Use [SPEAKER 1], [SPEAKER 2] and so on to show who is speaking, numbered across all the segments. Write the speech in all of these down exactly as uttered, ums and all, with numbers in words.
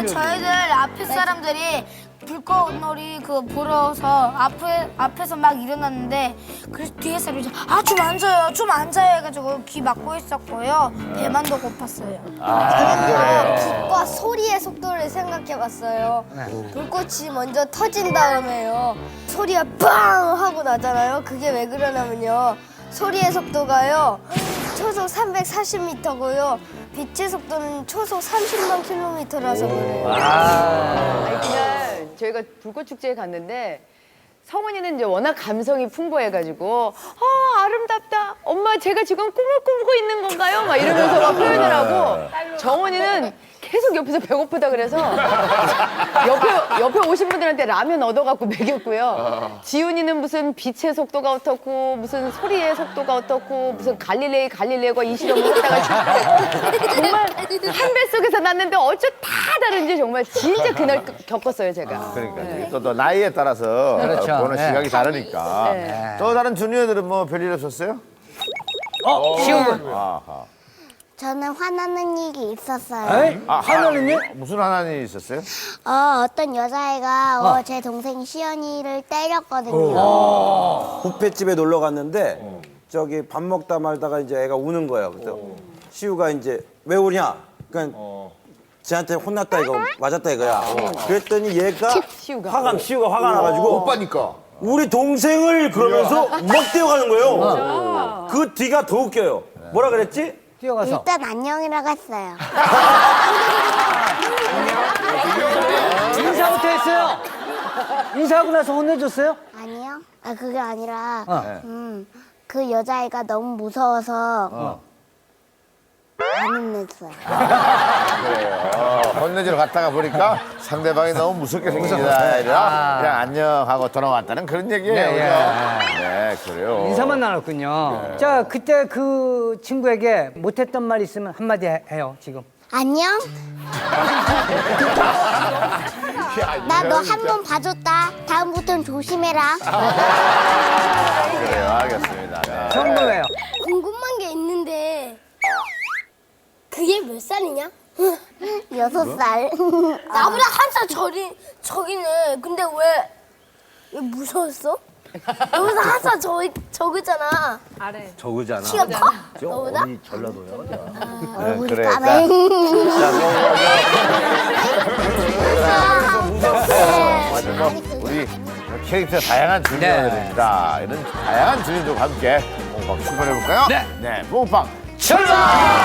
[SPEAKER 1] 네, 저희들 앞에 사람들이 불꽃놀이 그 보러서 앞에 앞에서 막 일어났는데 그래서 뒤에 사람이 아좀 앉아요, 좀 앉아요 해가지고 귀 막고 있었고요. 배만 더 고팠어요.
[SPEAKER 2] 저희가 빛과 소리의 속도를 생각해봤어요. 불꽃이 먼저 터진 다음에요. 소리가 빵 하고 나잖아요. 그게 왜 그러냐면요. 소리의 속도가요. 초속 삼백사십 미터고요. 빛의 속도는 초속 삼십만 킬로미터라서 그래요.
[SPEAKER 3] 아니, 그날 저희가 불꽃축제에 갔는데 성훈이는 이제 워낙 감성이 풍부해가지고 아 아름답다 엄마 제가 지금 꿈을 꾸고 있는 건가요? 막 이러면서 막 표현을 하고 정원이는 계속 옆에서 배고프다 그래서 옆에 옆에 오신 분들한테 라면 얻어갖고 먹였고요. 지훈이는 무슨 빛의 속도가 어떻고 무슨 소리의 속도가 어떻고 무슨 갈릴레이 갈릴레오가 이 실험을 했다가 정말 한 뱃속에서 났는데 어째 다 다른지 정말 진짜 그날 겪었어요 제가.
[SPEAKER 4] 그러니까 또, 또 나이에 따라서
[SPEAKER 5] 그렇죠.
[SPEAKER 4] 보는
[SPEAKER 5] 네.
[SPEAKER 4] 시각이 다르니까.
[SPEAKER 3] 네.
[SPEAKER 4] 또 다른 주니어들은 뭐 별일 없었어요?
[SPEAKER 5] 어, 시훈 군.
[SPEAKER 4] 아하.
[SPEAKER 2] 저는 화나는 일이 있었어요.
[SPEAKER 5] 에이? 하나는요?
[SPEAKER 4] 무슨 하나님 있었어요?
[SPEAKER 2] 어, 어떤 여자애가 어, 제 동생 시연이를 때렸거든요.
[SPEAKER 6] 뷔페집에 놀러 갔는데 저기 밥 먹다 말다가 이제 애가 우는 거예요. 그래서 시우가 이제 왜 우냐? 그러니까 쟤한테 혼났다 이거 맞았다 이거야. 그랬더니 얘가
[SPEAKER 3] 시우가.
[SPEAKER 6] 화가 시우가 화가 나가지고
[SPEAKER 4] 오빠니까.
[SPEAKER 6] 우리 동생을 그러면서 막 뛰어가는 거예요. 그 뒤가 더 웃겨요. 뭐라 그랬지?
[SPEAKER 5] 뛰어가서.
[SPEAKER 2] 일단 안녕이라고 했어요.
[SPEAKER 5] 인사부터 했어요. 인사하고 나서 혼내줬어요?
[SPEAKER 2] 아니요. 아, 그게 아니라,
[SPEAKER 5] 어.
[SPEAKER 2] 음, 그 여자애가 너무 무서워서 안 혼냈어요.
[SPEAKER 4] 어, 혼내주러 갔다가 보니까 상대방이 너무 무섭게 생긴 아이라 그냥 안녕하고 돌아왔다는 그런 얘기예요.
[SPEAKER 5] 네,
[SPEAKER 4] 그죠? 네, 그래요.
[SPEAKER 5] 인사만 나눴군요. 자, 그때 그 친구에게 못했던 말 있으면 한마디 해- 해요, 지금.
[SPEAKER 2] 안녕? 나 너 한 번 봐줬다. 다음부터는 조심해라.
[SPEAKER 4] 그래요, 알겠습니다. 네.
[SPEAKER 5] 성공해요.
[SPEAKER 2] 궁금한 게 있는데 그게 몇 살이냐? 여섯 살.
[SPEAKER 1] 나보다 한 살 저리 저기네. 근데 왜, 왜 무서웠어? 여기서 한 살 저 적으잖아.
[SPEAKER 6] 저거잖아.
[SPEAKER 1] 키가 커?
[SPEAKER 6] 저
[SPEAKER 1] 너보다?
[SPEAKER 6] 어디 전라도야.
[SPEAKER 2] 얼굴이
[SPEAKER 4] 그래,
[SPEAKER 2] 까매.
[SPEAKER 4] 맞아, 뭐 우리 캐릭터 다양한 주니어들입니다. 이런 다양한 주니어들과 함께 뽕빵 출발해볼까요?
[SPEAKER 5] 네.
[SPEAKER 4] 네, 뽕빵
[SPEAKER 5] 출발!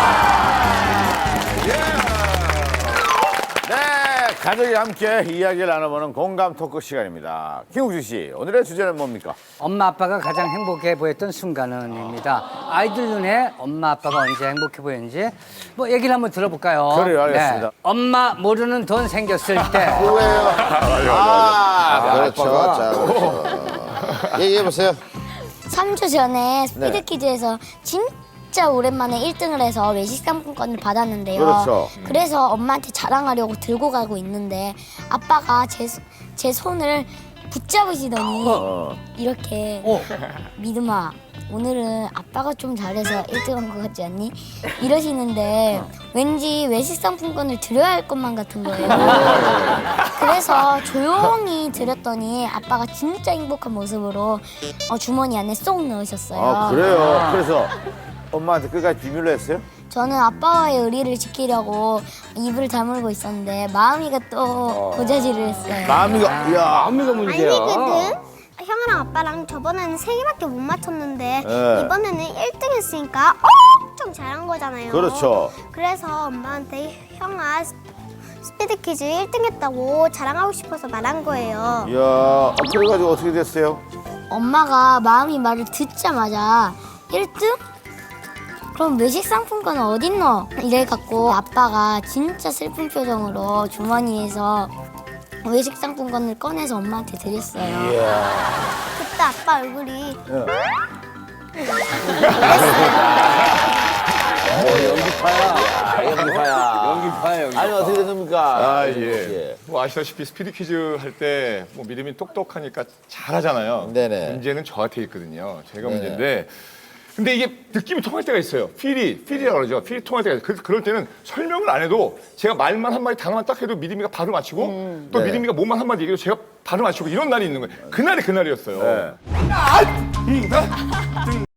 [SPEAKER 4] 네, 가족이 함께 이야기를 나눠보는 공감 토크 시간입니다. 김국주 씨, 오늘의 주제는 뭡니까?
[SPEAKER 5] 엄마 아빠가 가장 행복해 보였던 순간은입니다. 아이들 눈에 엄마 아빠가 언제 행복해 보였는지 뭐 얘기를 한번 들어볼까요?
[SPEAKER 4] 그래요, 알겠습니다.
[SPEAKER 5] 엄마 모르는 돈 생겼을 때.
[SPEAKER 4] 아, 그렇죠. 자, 그렇죠. 얘기해보세요.
[SPEAKER 2] 삼 주 전에
[SPEAKER 4] 네.
[SPEAKER 2] 스피드 퀴즈에서 진짜 오랜만에 일 등을 해서 외식 상품권을 받았는데요.
[SPEAKER 4] 그렇죠.
[SPEAKER 2] 그래서 엄마한테 자랑하려고 들고 가고 있는데 아빠가 제, 제 손을 붙잡으시더니
[SPEAKER 4] 어.
[SPEAKER 2] 이렇게
[SPEAKER 5] 어.
[SPEAKER 2] 믿음아 오늘은 아빠가 좀 잘해서 일 등 한 것 같지 않니? 이러시는데 왠지 외식 상품권을 드려야 할 것만 같은 거예요. 그래서 조용히 드렸더니 아빠가 진짜 행복한 모습으로 어, 주머니 안에 쏙 넣으셨어요.
[SPEAKER 4] 아, 그래요. 그래서 엄마한테 끝까지 비밀로 했어요?
[SPEAKER 2] 저는 아빠와의 의리를 지키려고 입을 다물고 있었는데 마음이가 또 고자질을 했어요.
[SPEAKER 4] 마음이가, 이야.
[SPEAKER 6] 안미가 문제야.
[SPEAKER 7] 아니거든. 형이랑 아빠랑 저번에는 세 개밖에 못 맞췄는데
[SPEAKER 4] 네.
[SPEAKER 7] 이번에는 일 등 했으니까 엄청 잘한 거잖아요.
[SPEAKER 4] 그렇죠.
[SPEAKER 7] 그래서 엄마한테 형아 스- 스피드 퀴즈 일 등 했다고 자랑하고 싶어서 말한 거예요.
[SPEAKER 4] 이야, 아, 그래가지고 어떻게 됐어요?
[SPEAKER 2] 엄마가 마음이 말을 듣자마자 일 등? 그럼 외식 상품권은 어딨노? 이래갖고 아빠가 진짜 슬픈 표정으로 주머니에서 외식 상품권을 꺼내서 엄마한테 드렸어요.
[SPEAKER 7] 그때 아빠 얼굴이
[SPEAKER 6] 연기파야. 연기파야, 연기파.
[SPEAKER 4] 아니, 어떻게 됐습니까?
[SPEAKER 8] 아, 예. 뭐 아시다시피 스피드 퀴즈 할 때 뭐 믿음이 똑똑하니까 잘하잖아요.
[SPEAKER 4] 네네.
[SPEAKER 8] 문제는 저한테 있거든요. 제가
[SPEAKER 4] 네네.
[SPEAKER 8] 문제인데 근데 이게 느낌이 통할 때가 있어요. 필이, 필이라고 그러죠. 필이 통할 때가 있어요. 그, 그럴 때는 설명을 안 해도 제가 말만 한마디 당만 딱 해도 미리미가 바로 맞히고
[SPEAKER 3] 음.
[SPEAKER 8] 또
[SPEAKER 4] 네.
[SPEAKER 8] 미리미가 몸만 한마디 얘기해도 제가 바로 맞추고 이런 날이 있는 거예요. 그날이 그날이었어요.
[SPEAKER 4] 네.
[SPEAKER 8] 아! 음, 아!